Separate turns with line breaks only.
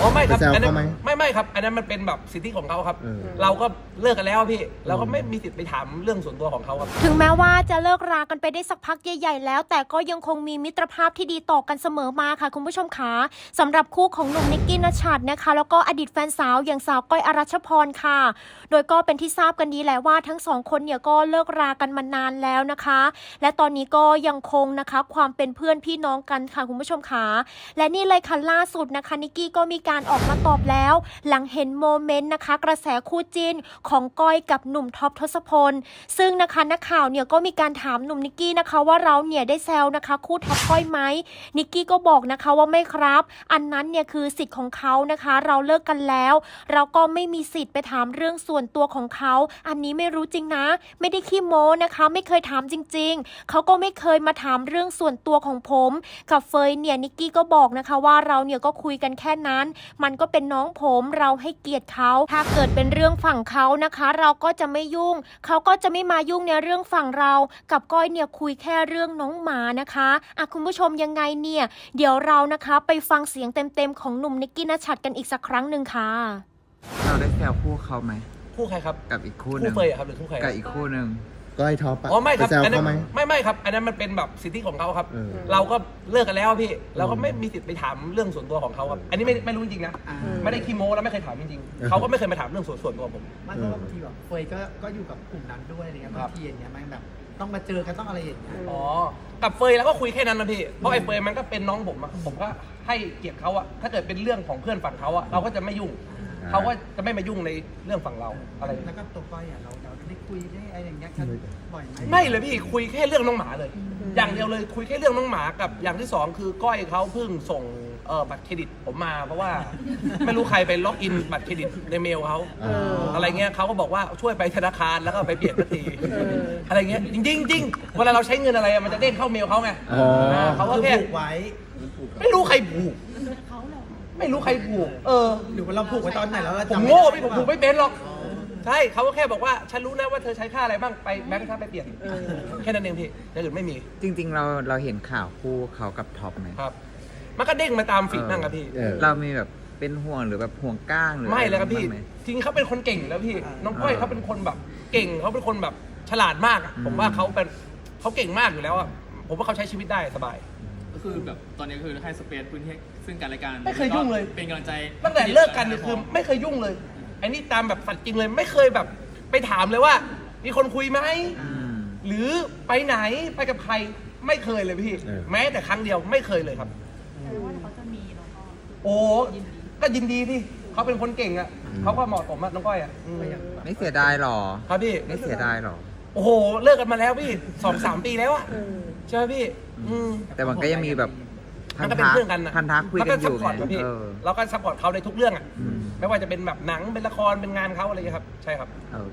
อ๋อไม่ครับ
ไปแซว
อันนั้
เขา
น
ไหม
ไม่ครับอันนั้นมันเป็นแบบสิทธิของเขาครับ
เออ
เราก็เลิกกันแล้วพี่เราก็ไม่มีสิทธิ์ไปถามเรื่องส่วนตัวของเขาครับ
ถึงแม้ว่าจะเลิกรากันไปได้สักพักใหญ่ๆแล้ว แต่ก็ยังคงมีมิตรภาพที่ดีต่อกันเสมอมาค่ะคุณผู้ชมคะสำหรับคู่ของหนุ่มนิกกี้ณชัดนะคะแล้วก็อดีตแฟนสาวอย่างสาวก้อยอรัชพรค่ะโดยก็เป็นที่ทราบกันดีแหละว่าทั้งสองคนเนี่ยก็เลิกรากันมานานแล้วนะคะและตอนนี้ก็ยังคงนะคะความเป็นเพื่อนพี่น้องกันค่ะคุณผู้ชมคะและนี่เลยค่ะล่าสุดนะคะนิกกี้ก็มีการออกมาตอบแล้วหลังเห็นโมเมนต์นะคะกระแสคู่จิ้นของก้อยกับหนุ่มท็อปทศพลซึ่งนะคะนักข่าวเนี่ยก็มีการถามหนุ่มนิกกี้นะคะว่าเราเนี่ยได้แซวนะคะคู่ท็อปก้อยไหมนิกกี้ก็บอกนะคะว่าไม่ครับอันนั้นเนี่ยคือสิทธิ์ของเขานะคะเราเลิกกันแล้วเราก็ไม่มีสิทธิ์ไปถามเรื่องส่วนตัวของเขาอันนี้ไม่รู้จริงนะไม่ได้ขี้โม้นะคะไม่เคยถามจริงๆเขาก็ไม่เคยมาถามเรื่องส่วนตัวของผมกับเฟยเนี่ยนิกกี้ก็บอกนะคะว่าเราเนี่ยก็คุยกันแค่นั้นมันก็เป็นน้องผมเราให้เกียรติเขาถ้าเกิดเป็นเรื่องฝั่งเขานะคะเราก็จะไม่ยุ่งเขาก็จะไม่มายุ่งในเรื่องฝั่งเรากับก้อยเนี่ยคุยแค่เรื่องน้องหมานะคะคุณผู้ชมยังไงเนี่ยเดี๋ยวเรานะคะไปฟังเสียงเต็มๆของหนุ่มนิกกี้ณชัดกันอีกสักครั้งหนึ่งค่ะ
เราได้แซวคู่เขาไหม
คู่ใครครับ
กับอีกคู่ห
คู่
นึ่ง
เฟยอะครับหรือคู่ใคร
กับอีกคู่หนึ่ง
ก้อยท็อปอะ
อ๋อไม่ครับ
ไปแซว
อันนั้น
เขาไหม
ไม่ครับอันนั้นมันเป็นแบบสิทธิของเขาครับ
เออ
เราก็เลิกกันแล้วพี่เราก็ไม่มีสิทธิ์ไปถามเรื่องส่วนตัวของเขาครับอันนี้ไม่รู้จริงๆนะไม่ได้ขี้โม้แล้วไม่เคยถามจริงๆเขาก็ไม่เคยมาถามเรื่องส่วนตัวผม
มันก็บางทีแบบเฟยก็อยู่กับกลุ่มนั้นด้วยอะไรเงี้ยบางทีอย่างเงี้ยมันแบบต้องมาเจอกันต้องอะไรอย่างเงี้ย
อ๋อกับเฟยแล้วก็คุยแค่นั้นนะพี่เพราะไอ้เฟยมันก็เป็นน้องผมอะผมก็ให้เกียรติเขาอะถ้าเกิดเป็นเรื่องของเพื่อนฝั่งเขาอะเราก็จะไม่ยุ่งเขาก็จะไม่มายุ่งในเรื่องฝั่งเราอะไร
แล้วก็ตัวก้อยอ่ะเราได้คุยได้อะไรอย่างเงี้ยกันบ่อยไหม
ไม่เลยพี่คุยแค่เรื่องน้องหมาเลย อย่างเดียวเลยคุยแค่เรื่องน้องหมากับอย่างที่สองคือก้อยเขาเพิ่งส่งบัตรเครดิตผมมาเพราะว่า ไม่รู้ใครไปล็อกอินบัตรเครดิตในเมลเขาอะไรเงี้ยเขาก็บอกว่าช่วยไปธนาคารแล้วก็ไปเปลี่ยนบัตรทีอะไรเงี้ยจริงเวลาเราใช้เงินอะไรอะมันจะเด้งเข้าเมลเขาไง
อ๋อ
เขาก็
คือ
แค่
ผูกไว้
ไม่รู้ใครผูกไม่รู้ใครผูก
หรือว่าเราผูกไว้ตอนไหนแล้วเรา
ผม
จำ
โง่
ด้
พี่ผมผูกไม่เป็นหรอกใช่เขาก็แค่บอกว่าฉันรู้นะว่าเธอใช้ค่าอะไรบ้างไปแบงค์ค่าไปเปลี่ยนแค่นั้นเองพี่อย่างอื่นไม่มี
จริงๆเราเห็นข่าวคู่เขากับท็อปไหม
ครับ มันก็เด้งมาตามฟีดนั่งครับพี่
เออ
เรามีแบบเป็นห่วงหรือแบบห่วงก้างหรือ
ไม่เลยครับพี่
อะไางไหม
จริงๆเขาเป็นคนเก่งแล้วพี่ น้องก้อยเขาเป็นคนแบบเก่งเขาเป็นคนแบบฉลาดมากอะผมว่าเขาเก่งมากอยู่แล้วอะผมว่าเขาใช้ชีวิตได้สบาย
ก็คือแบบตอนนี้คือให้สเปซพื้นที่ซึ่งกันและกัน
ไม่เคยยุ่งเลย
เป็นกำลังใจ
ตั้งแต่เลิกกันเนี่ยคือไม่เคยยุ่งเลยไอ้นี่ตามแบบสัตว์จริงเลยไม่เคยแบบไปถามเลยว่า มีคนคุยไหม
อืม
หรือไปไหนไปกับใครไม่เคยเลยพี่
เออ
แม้แต่ครั้งเดียวไม่เคยเลยครับ
แต่ว่าเขาจะมีแล้วก็
โอ้ก็ยินดีที่เขาเป็นคนเก่งอะเขาก็เหมาะสมอะน้องก้อยอะอืม
ไม่เสียดายหรอ
ครับพี่
ไม่เสียดายหรอ
โอ้โหเลิกกันมาแล้วพี่2-3 ปีแล้วอะใช่ไหมพี่ม
แต่มันก็ยังมีแบบ
มันก็เป็นเพื่อนกันนะ
พันธะคุยกันอยู่
ซัพพอร์ต
ไง
พี่
เออ
เราก็ซัพพอร์ตเขาในทุกเรื่องอะ
อืม
ไม่ว่าจะเป็นแบบหนังเป็นละครเป็นงานเขาอะไรอย่างเงี้ยครับใช่ครับ